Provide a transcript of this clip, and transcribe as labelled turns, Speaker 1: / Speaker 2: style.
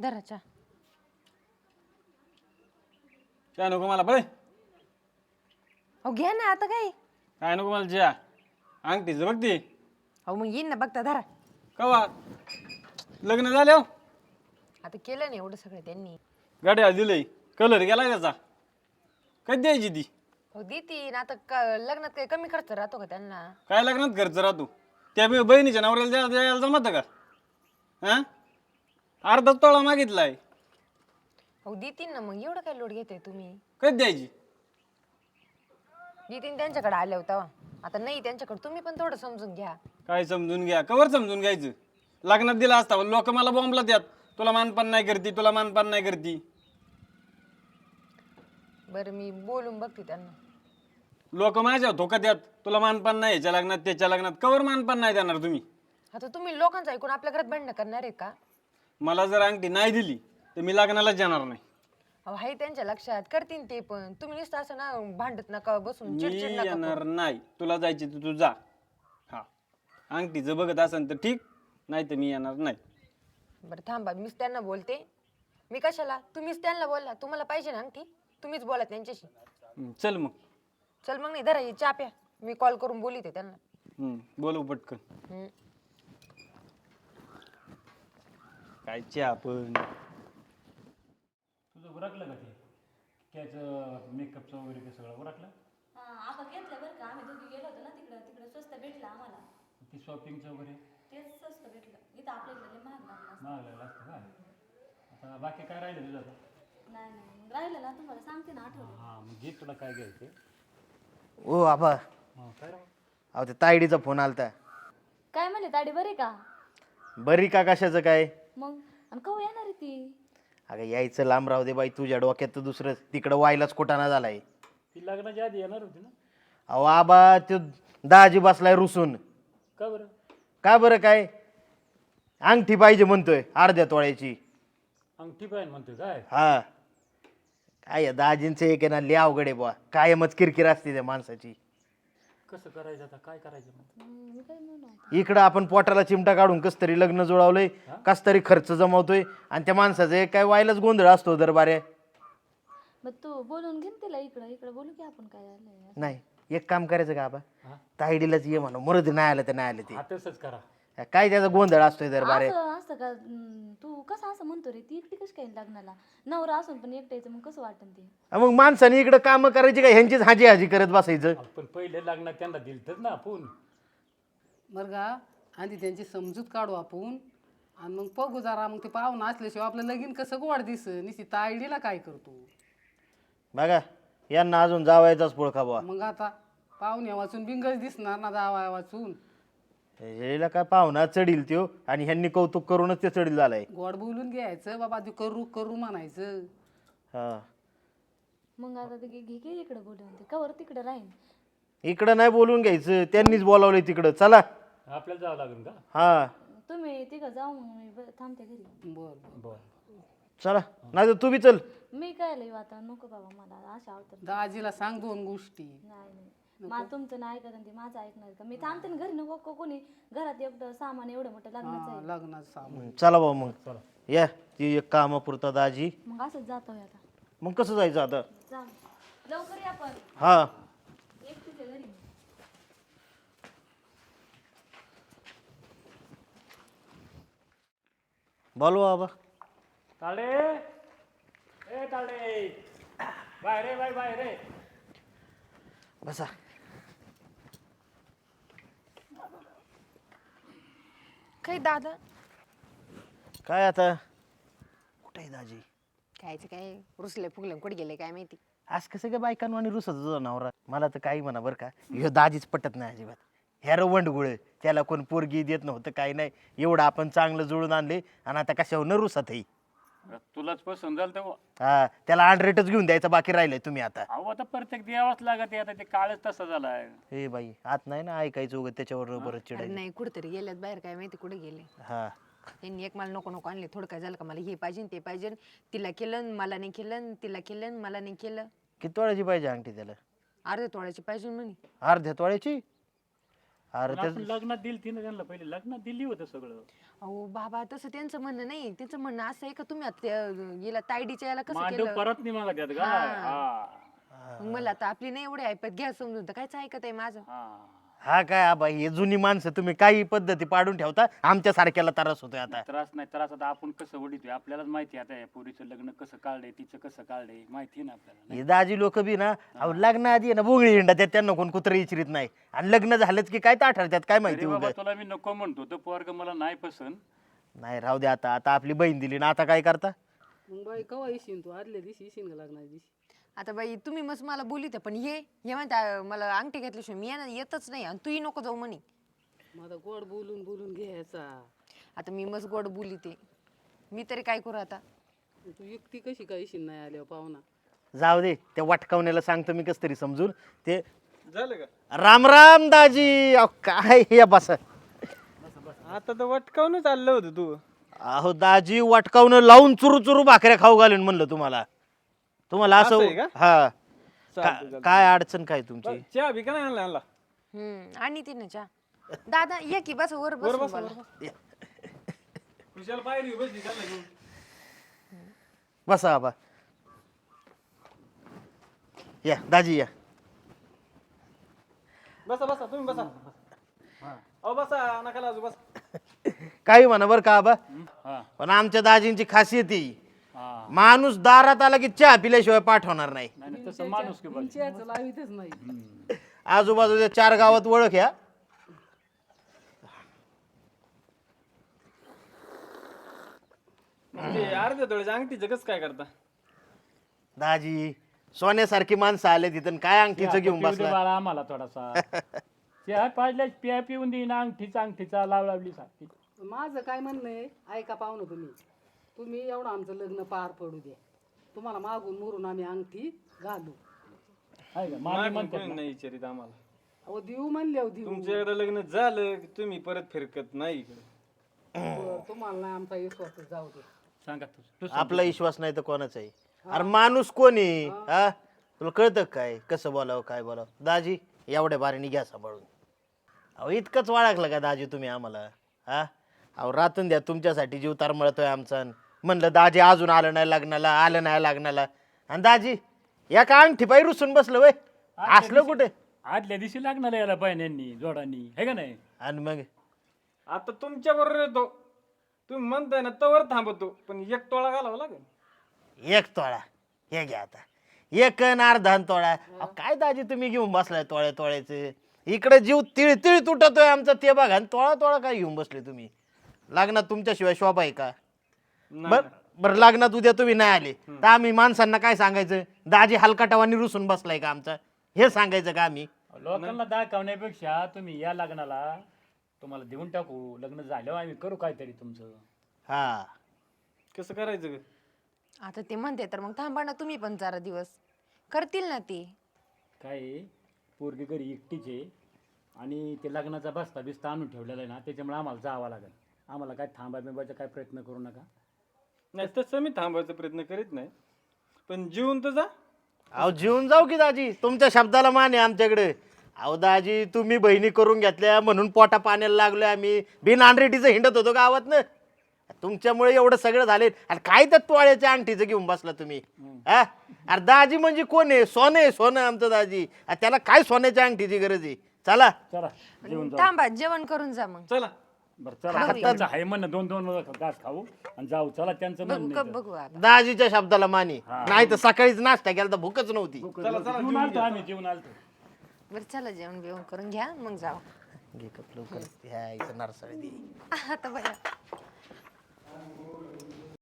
Speaker 1: धराच्या
Speaker 2: काय नको मला बरे
Speaker 1: अहो घ्या ना आता काय.
Speaker 2: काय नको मला जिया अंगठीचं बघ ती
Speaker 1: अहो मग येईन ना बघता धरा.
Speaker 2: कवा लग्न झालं
Speaker 1: आता केलं ना एवढं सगळं त्यांनी.
Speaker 2: गाड्या दिलंय कलर गेला त्याचा कधी द्यायची ती
Speaker 1: हो देतीन आता लग्नात काही कमी खर्च राहतो का त्यांना.
Speaker 2: काय लग्नात खर्च राहतो त्या बहिणीच्या नवऱ्याला द्यायला जमत का हा अर्धा तोळा मागितलाय
Speaker 1: हो देतीन ना मग एवढं काय लोड घेताय तुम्ही.
Speaker 2: कधी द्यायची
Speaker 1: देतीन त्यांच्याकडे आले होता आता नाही त्यांच्याकडे तुम्ही पण थोडं समजून घ्या.
Speaker 2: काय समजून घ्या कवर समजून घ्यायचं लग्नात दिला असता लोक मला बॉम्बला द्यात तुला मानपान नाही करती तुला मानपान नाही करती.
Speaker 1: बरं मी बोलून बघते त्यांना.
Speaker 2: लोक माझ्या धोका द्यात तुला मानपान नाही याच्या लग्नात त्याच्या लग्नात कवर मानपान नाही देणार तुम्ही.
Speaker 1: आता तुम्ही लोकांचं ऐकून आपल्या घरात भांडणं करणार आहे का.
Speaker 2: मला जर अंगठी नाही दिली तर मी लग्नालाच जाणार नाही.
Speaker 1: अहो आहे त्यांच्या लक्षात करतीन ते पण तुम्ही नुसतं असं ना भांडत नका बसून
Speaker 2: मी
Speaker 1: चिडचिड नका करू.
Speaker 2: येणार नाही तुला जायची तर तू जा हा अंगठीचं बघत असेल तर ठीक नाही तर मी येणार नाही.
Speaker 1: बरं थांबा मीच त्यांना बोलते. मी कशाला तुम्हीच त्यांना बोलला तुम्हाला पाहिजे ना अंगठी तुम्हीच बोला त्यांच्याशी.
Speaker 2: चल मग
Speaker 1: चल मग नाही धरा ही चहा प्या मी कॉल करून बोलिते त्यांना.
Speaker 2: बोलव पटकन
Speaker 1: हम्म.
Speaker 2: काय चहा पण
Speaker 3: तुझं उरकलं का ते त्याचं मेकअपचं वगैरे ते सगळं उरकलं.
Speaker 4: आपण घेतलं बरं का आम्ही दोघी गेलो होतो ना तिकडं स्वस्त भेटलं आम्हाला.
Speaker 3: ती शॉपिंगचं वगैरे
Speaker 4: तेच स्वस्त भेटलं इथं आपल्या इकडे लय महाग लागलं असतं.
Speaker 3: मागलेलं असतं का आता बाकी काय राहिलं तुझं आता.
Speaker 4: नाही मग राहिलं ना तुम्हाला सांगते ना आठवलं.
Speaker 3: हां मग घे तुला काय घ्यायचं.
Speaker 5: ओ आबा
Speaker 3: हां काय राव
Speaker 5: अहो ते तायडीचा फोन आलता.
Speaker 4: काय म्हणले दाढी बरी का
Speaker 5: बरी का कशाचं काय.
Speaker 4: मग आणि कवा येणार आहे ती.
Speaker 5: अगं यायचं लांब राहू दे बाई तुझ्या डोक्यात तर दुसरं तिकडं व्हायलाच कुठाना झालाय.
Speaker 3: ती लग्नाच्या आधी येणार होती ना.
Speaker 5: अहो आबा तो दाजी बसलाय रुसून.
Speaker 3: का बरं.
Speaker 5: का बरं काय अंगठी पाहिजे म्हणतोय अर्ध्या तोळ्याची.
Speaker 3: अंगठी पाहिजे म्हणतोय काय.
Speaker 5: हा काय या दाजींचं एक आहे ना लय अवघड आहे बुवा कायमच किरकिर असते त्या माणसाची.
Speaker 3: कसं करायचं आता काय करायचं मग.
Speaker 4: मी काय म्हणू
Speaker 5: इकडं आपण पोटाला चिमटा काढून कस तरी लग्न जुळवलंय कस तरी खर्च जमवतोय आणि त्या माणसाचं एक काय व्हायलाच गोंधळ असतो दरबारे.
Speaker 4: मग तू बोलून घे ना तिला इकडं बोलू की आपण काय आलंय.
Speaker 5: नाही एक काम करायचं का आबा
Speaker 3: हा?
Speaker 5: तायडीलाच ये म्हणा मरद नाही आलं तर नाही आलं ते
Speaker 3: हा तसंच करा.
Speaker 5: काय त्याचा गोंधळ असतोय दरबारे.
Speaker 4: असं असतं का तू कसं असं म्हणतो रे ती एकटी कशी काय लग्नाला नवरा असून पण एकट्याचं मग कसं वाटन ते.
Speaker 5: मग माणसाने इकडे काम करायची का ह्यांचीच हाजी हाजी करत बसायचं.
Speaker 3: पण पहिले लग्नात त्यांना दिलतच ना आपण.
Speaker 6: बरं का आधी त्यांची समजूत काढू आपण आणि मग बघू जरा मग ते पाहुणा असल्याशिवाय आपलं लगीन कसं गोड दिस निश्चित तायडीला काय करतो.
Speaker 5: बघा यांना अजून जावायचाच पुळखा बुवा.
Speaker 6: मग आता पाहुण्या वाचून बिंगच दिसणार ना जावा वाचून.
Speaker 5: याला काय पाहुणा चढील त्यो आणि ह्यांनी कौतुक करूनच ते चढील झालाय.
Speaker 6: गोड बोलून घ्यायचं बाबा तू करू करू म्हणायचं.
Speaker 5: हा
Speaker 4: मग आता ते घे इकडे बोलून ते कवर तिकडे राहीन.
Speaker 5: इकडं नाही बोलून घ्यायचं त्यांनीच बोलावलंय तिकडं चला.
Speaker 3: आपल्याला जावं लागेल का.
Speaker 5: हा
Speaker 4: तुम्ही तिघं जाऊ मग मी थांबते घरी.
Speaker 6: बरं
Speaker 3: बरं
Speaker 5: चला नाही तर तू बी चल.
Speaker 4: मी काय लई आता नको बाबा मला अशा अवतर
Speaker 6: दाजीला सांग दोन गोष्टी.
Speaker 4: नाही मला तुमचं नाही ऐकत ते माझं ऐकणार का मी थांबते ना घरी नको कोणी घरात एवढं सामान एवढं मोठं लग्नाचं आहे.
Speaker 6: लग्नाचं सामान
Speaker 5: चला भाऊ मग या ती एक कामापुरता दाजी.
Speaker 4: मग असंच जातो आता.
Speaker 5: मग कसं जायचं आता.
Speaker 4: जा लवकर या पण
Speaker 5: हा
Speaker 4: एकटीच्या घरी.
Speaker 5: बोलवा बाबा.
Speaker 3: ताडे ए ताडे बाय रे बाय रे.
Speaker 5: बसा
Speaker 1: काही दादा
Speaker 5: काय आता कुठे आहे दाजी.
Speaker 1: कायचं काय रुसले फुगले कुठे गेले काय माहिती.
Speaker 5: आज कसं काय बायकांनो आणि रुसत तुझा नवरा. मला तर काही म्हणा बरं का ह्यो दाजीच पटत नाही अजिबात. ह्या वंडगुळ त्याला कोण पोरगी देत नव्हतं काही नाही एवढं आपण चांगलं जुळून आणले आणि आता कशावर न रुसत आहे.
Speaker 3: तुलाच पसंत झालं तेव्हा.
Speaker 5: हा त्याला अनरेटच घेऊन द्यायचं बाकी राहिलंय तुम्ही आता.
Speaker 3: अहो आता प्रत्येक द्यावाच लागत आता ते काळच तसा झालाय.
Speaker 5: हे बाई आत नाही ना ऐकायचं उगत त्याच्यावर बरं
Speaker 1: अरे
Speaker 5: चिडायचं.
Speaker 1: नाही कुठेतरी गेल्यात बाहेर काय माहिती कुठे गेले.
Speaker 5: हा
Speaker 1: त्यांनी एक मला नको नको आणले थोडं काय झालं का मला हे पाहिजे ते पाहिजे तिला केलं मला नाही केलं तिला केलं मला नाही केलं.
Speaker 5: किती तोळ्याची पाहिजे अंगठी त्याला.
Speaker 1: अर्ध्या तोळ्याची पाहिजे म्हणे.
Speaker 5: अर्ध्या तोळ्याची. अरे
Speaker 3: पण आपण लग्नात दिली ती ना त्यांना, पहिले लग्नात दिली होतं सगळं.
Speaker 1: अहो बाबा तसं त्यांचं म्हणणं नाही, त्यांचं म्हणणं असं आहे का तुम्ही आता याला तायडीच्या याला कसं
Speaker 3: मांडव
Speaker 1: केलं.
Speaker 3: परत नाही मागत यात का?
Speaker 1: मग मला आता आपली नाही एवढी ऐपत घ्या समजून, तर कायच ऐकत आहे माझं.
Speaker 5: हा काय आबा हे जुनी माणसं तुम्ही काही पद्धती पाडून ठेवता, आमच्या सारख्याला त्रास होतोय आता.
Speaker 3: त्रास नाही, त्रास आता आपण कसं वडितोय आपल्यालाच माहिती आहे. आता या पोरीचं लग्न कसं काढलंय, तिचं कसं काढलंय माहिती आहे ना आपल्याला.
Speaker 5: हे दाजी लोक बी ना अहो लग्नाआधी आहे ना बोंगळी हिंडा त्यात, त्यांना कोण कुत्र इचरीत नाही, आणि लग्न झालंच की काय ताठरतात काय माहिती
Speaker 3: अरे बाबा
Speaker 5: उगाच.
Speaker 3: तुला मी नको म्हणतो, तो पोरग मला नाही पसंत.
Speaker 5: नाही राहू दे आता, आता आपली बहीण दिली ना, आता काय करता.
Speaker 6: मग बाई कवा येशील तू? आदल्या दिवशी येशील का लग्नाच्या दिवशी?
Speaker 1: आता बाई तुम्ही मस्त मला बोलित पण हे म्हणता मला अंगठी घेतल्याशिवाय मी येतच नाही, आणि तूही नको जाऊ म्हणे.
Speaker 6: मग आता गोड बोलून बोलून घ्यायचा.
Speaker 1: आता मी मस्त गोड बोलिते, मी तरी काय करू आता.
Speaker 6: तू एकटी कशी काय येशील नाही आल्यावर पाहुणा?
Speaker 5: जाऊ दे, त्या वाटकावण्याला सांगतो मी कस तरी समजून. ते
Speaker 2: झालं का
Speaker 5: राम राम दाजी. अहो काय हे बस.
Speaker 2: आता तर वटकावून चाललं होतं तू.
Speaker 5: अहो दाजी वाटकावणं लावून चुरू चुरू भाकऱ्या खाऊ घालून म्हणलं तुम्हाला. तुम्हाला
Speaker 2: असं आहे
Speaker 5: असं
Speaker 2: का?
Speaker 5: हा
Speaker 2: चालतंय, चालतंय.
Speaker 5: काय अडचण काय तुमची?
Speaker 2: चहा बी का नाही आणला आणला?
Speaker 1: आणि ती ना चहा. दादा ये की बस वर
Speaker 2: वर
Speaker 1: बस
Speaker 2: बस, वर बस. खुशाल पायरी बसली त्याला घेऊन.
Speaker 5: बसा आबा. या दाजी या.
Speaker 2: बसा बसा तुम्ही बसा. अहो बसा, नका लाजू, बस.
Speaker 5: काही म्हणा बरं का आबा,
Speaker 3: हा
Speaker 5: पण आमच्या दाजींची खासियत ही
Speaker 3: हा
Speaker 5: माणूस दारात आला की चहा पिल्याशिवाय पाठवणार नाही.
Speaker 3: नाही नाही, तसं माणूस की बघ.
Speaker 6: चहाचं लावितच नाही.
Speaker 5: आजूबाजूच्या 4 गावात ओळख या.
Speaker 2: ते अर्ध्या तोळ्याच्या अंगठीचं कसं काय करता?
Speaker 5: दाजी सोन्यासारखी माणसं आले तिथं, काय अंगठीचं घेऊन
Speaker 3: पिऊ दे
Speaker 5: बसला.
Speaker 3: बाळा आम्हाला थोडासा. चहा पाजल्या पिया पिऊन देईन, अंगठीचा लावली सारखी.
Speaker 6: माझं काय म्हणणं आहे, ऐका पाहुणं तुम्ही एवढं आमचं लग्न पार पडू द्या. तुम्हाला मागून मुरून आम्ही अंगठी घालू.
Speaker 3: आहे का? मामी
Speaker 2: मागून
Speaker 3: म्हणतात
Speaker 2: कोणी
Speaker 3: ना.
Speaker 2: नाही विचारित आम्हाला.
Speaker 6: अहो देऊ म्हणले देऊ.
Speaker 2: तुमचं एकदा लग्न झालं की तुम्ही परत फिरकत नाही इकडे.
Speaker 6: बरं, तुम्हाला नाही आमचा विश्वास जाऊ दे.
Speaker 3: सांगा तू
Speaker 5: आपला विश्वास नाही तर कोणाचा आहे. अरे माणूस कोणी हा तुला कळतं काय कसं बोलावं काय बोलावं. दाजी एवढ्या बारीने घ्या सांभाळून. अहो इतकंच वाळखलं का दाजी तुम्ही आम्हाला? हा अहो रातून द्या तुमच्यासाठी जीव तरमळतोय आमचा. म्हणलं दाजी अजून आलं नाही लग्नाला, आलं नाही लग्नाला, आणि दाजी या का अंगठी पायी रुसून बसलं वय. असलं कुठे?
Speaker 3: आदल्या दिवशी लागणार याला बहिण्यांनी जोडांनी, हे का नाही?
Speaker 5: आणि मग
Speaker 2: आता तुमच्या बरोबर येतो, तुम्ही म्हणताय ना तवर थांबतो, पण 1 तोळा घालावा लागेल.
Speaker 5: 1 तोळा हे घ्या आता. 1 आणि अर्धा तोळा. अहो, काय दाजी तुम्ही घेऊन बसलाय तोळ्याचे. इकडे जीव तिळ तिळ तुटतोय आमचा ते बघा, आणि तोळा तोळा काय घेऊन बसले तुम्ही. लग्नात तुमच्याशिवाय शोभा आहे का? बरं लग्नात उद्या तुम्ही नाही आले तर आम्ही माणसांना काय सांगायचं? दाजी हलकाटावानी रुसून बसलाय का आमचा, हे सांगायचं का आम्ही?
Speaker 3: लोकांना दाखवण्यापेक्षा तुम्ही या लग्नाला तुम्हाला देऊन टाकू. लग्न झाल्यावर आम्ही करू काहीतरी तुमचं.
Speaker 5: हा
Speaker 2: कसं करायचं ग?
Speaker 1: आता ते म्हणते तर मग थांबा ना तुम्ही पण 4 दिवस, करतील ना ते.
Speaker 3: काय आहे, पोरगी घरी एकटीच आहे आणि ते लग्नाचा बस्ता बिस्ता आणून ठेवलेला आहे ना, त्याच्यामुळे आम्हाला जावं लागेल. आम्हाला काय थांबा बिंबायचा काय प्रयत्न करू नका.
Speaker 2: नाही तसं मी थांबायचा प्रयत्न करीत नाही, पण जीवन तर जा.
Speaker 5: अहो जीवन जाऊ की दाजी, तुमच्या शब्दाला मान आहे आमच्याकडे. अहो दाजी तुम्ही बहिणी करून घेतल्या म्हणून पोटा पाण्याला लागलोय आम्ही. बिन आंड्रेटीचं हिंडत होतो गावात ना, तुमच्यामुळे एवढं सगळं झाले. आणि काय तर तोळ्याच्या अंगठीचं घेऊन बसला तुम्ही. हा अरे दाजी म्हणजे कोण आहे? सोनं आहे, सोनं आमचं दाजी. आणि त्याला काय सोन्याच्या अंगठीची गरज आहे? चला
Speaker 3: चला जेवण जाऊ.
Speaker 1: थांबा जेवण करून जा मग.
Speaker 2: चला
Speaker 3: बरं चला, त्यांचं आहे म्हणणं 2-2 घास खाऊ आणि जाऊ. चला त्यांचं
Speaker 1: बघू
Speaker 3: म्हणणं
Speaker 1: का
Speaker 3: आहे तर.
Speaker 1: बघू आता.
Speaker 5: दाजीच्या शब्दाला मानी. नाही तर सकाळीच नाश्ता केला तर भूकच नव्हती.
Speaker 3: जेवून आलतो आम्ही, जेवून आलतो.
Speaker 1: बरं चला जेवण बिवण करून घ्या मग जाऊ.
Speaker 5: घे कप लवकर. ह्या इथं नारसाळी दे.
Speaker 1: आता बघा